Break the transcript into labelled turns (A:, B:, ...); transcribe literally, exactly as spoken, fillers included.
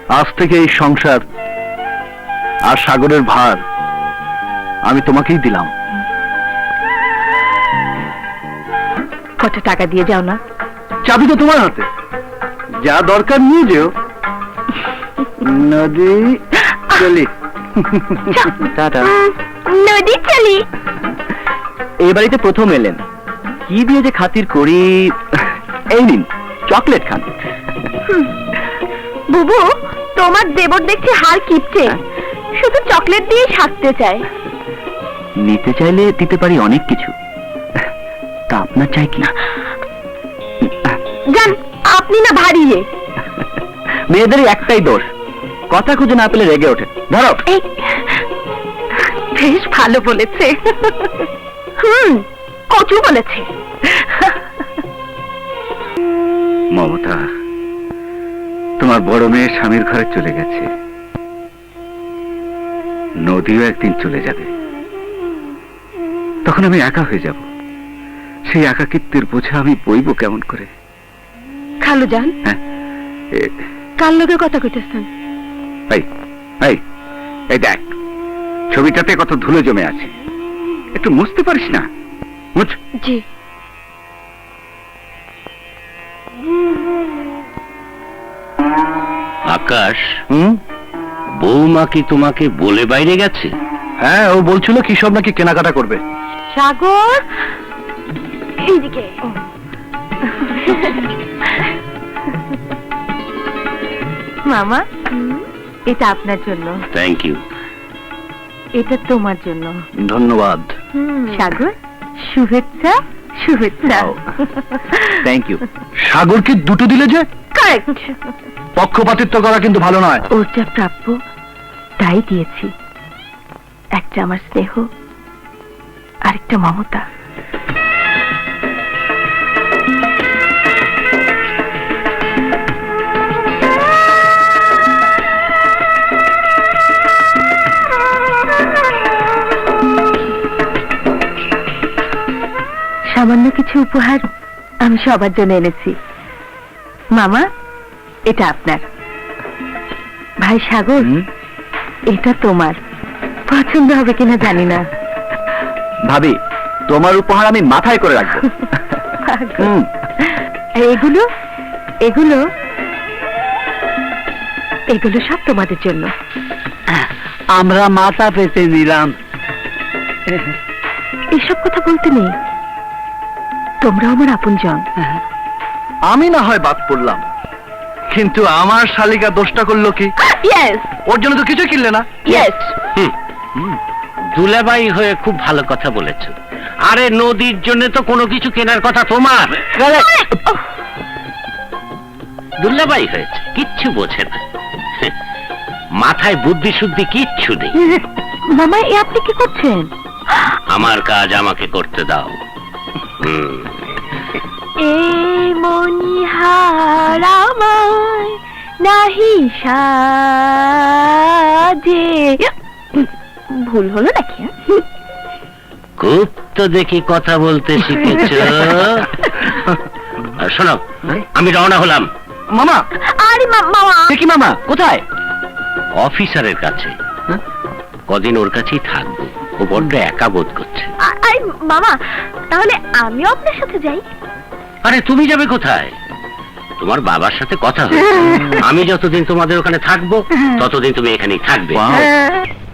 A: আজ থেকে এই সংসার আর সাগরের ভার আমি তোমাকেই দিলাম।
B: কত টাকা দিয়ে যাও না?
A: চাবি তো তোমার হাতে, যা দরকার নিয়ে যেও। নদী চলি। টাটা।
B: নদী চলি।
A: এই বাড়িতে প্রথম এলেন, কি দিয়ে যে খাতির করি। এই নিন চকলেট খান।
B: বুবু, তোমার দেবর দেখছি হার কিপটে, শুধু চকলেট দিয়ে সাজতে চায়।
A: নিতে চাইলে দিতে পারি অনেক কিছু, তা আপনার চাই কি?
B: জান, আপনি না ভারিয়ে।
A: মেয়েদের একটাই দোষ, কথা খুঁজে না পেলে রেগে ওঠে। ধরো।
B: বেশ ভালো বলেছে। হুম, কচু বলেছে।
A: মমতা, তোমার বড় মেয়ে স্বামীর ঘরে চলে গেছে, নদীও একদিন চলে যাবে। তখন আমি একা হয়ে যাব, সেই একাকিত্বের বোঝা আমি বইব কেমন করে?
B: খালু যান,
A: হ্যাঁ,
B: কার লগে কথা কইতেছেন?
A: এই এই এই দেখ, ছবিটাতে কত ধুলো জমে আছে, একটু মুছতে পারিস না? মুছ।
B: জি।
C: আকাশ,
A: হুম,
C: বৌমা কি তোমাকে বলে বাইরে গেছে?
A: হ্যাঁ, ও বলছিল কি সব নাকি কেনাকাটা করবে।
B: সাগর, এইদিকে। মামা, এটা আপনার জন্য।
C: Thank you.
B: এটা তোমার জন্য।
A: ধন্যবাদ।
B: সাগর, শুভেচ্ছা শুভেচ্ছা।
A: Thank you. সাগরকে দুটো দিলে যে?
B: কারেক্ট।
A: পক্ষপাতিত্ব করা কিন্তু ভালো নয়।
B: ওর যা প্রাপ্য তাই দিয়েছি, একটা আমার স্নেহ, আরেকটা মমতা। সামান্য কিছু উপহার আমি সবার জন্য এনেছি। মামা, এটা আপনার। ভাই সাগর, এটা তোমার। পছন্দ হবে কিনা জানি না।
A: ভাবি, তোমার উপহার আমি মাথায় করে রাখবো। হুম।
B: এগুলো এগুলো এগুলো সব তোমাদের জন্য।
A: আমরা মাথা পেতে নিলাম।
B: এসব কথা বলতে নেই, তোমরা আমার আপনজন।
A: আমি না হয় বাদ পড়লাম, কিন্তু আমার শালিকা দোষটা করলো কি?
B: ইয়েস,
A: ওর জন্য তো কিছু কিনলে না।
B: ইয়েস।
C: দুলাভাই হয়ে খুব ভালো কথা বলেছ। আরে নদীর জন্য তো কোনো কিছু কেনার কথা তোমার। দুলাভাই হয়েছে, কিচ্ছু বোঝে না, মাথায় বুদ্ধি শুদ্ধি কিচ্ছু নেই।
B: মামা, এ আপনি কি করছেন?
C: আমার কাজ আমাকে করতে দাও। হুম।
B: এ মনিহার আমায় নাহি সাজে। ভুল হলো নাকি?
C: খুব তো দেখি কথা বলতে শিখেছ। শোনো, আমি রওনা হলাম।
A: মামা।
B: আরে মামা।
A: দেখি মামা কোথায়?
C: অফিসারের কাছে। কদিন ওর কাছেই থাকবো, ও বড্ড একা বোধ করছে।
B: আরে মামা, তাহলে আমিও আপনার সাথে যাই।
C: আরে তুমি যাবে কোথায়? তোমার বাবার সাথে কথা হয়েছে, আমি যতদিন তোমাদের ওখানে থাকবো ততদিন তুমি এখানেই থাকবে।
A: Wow.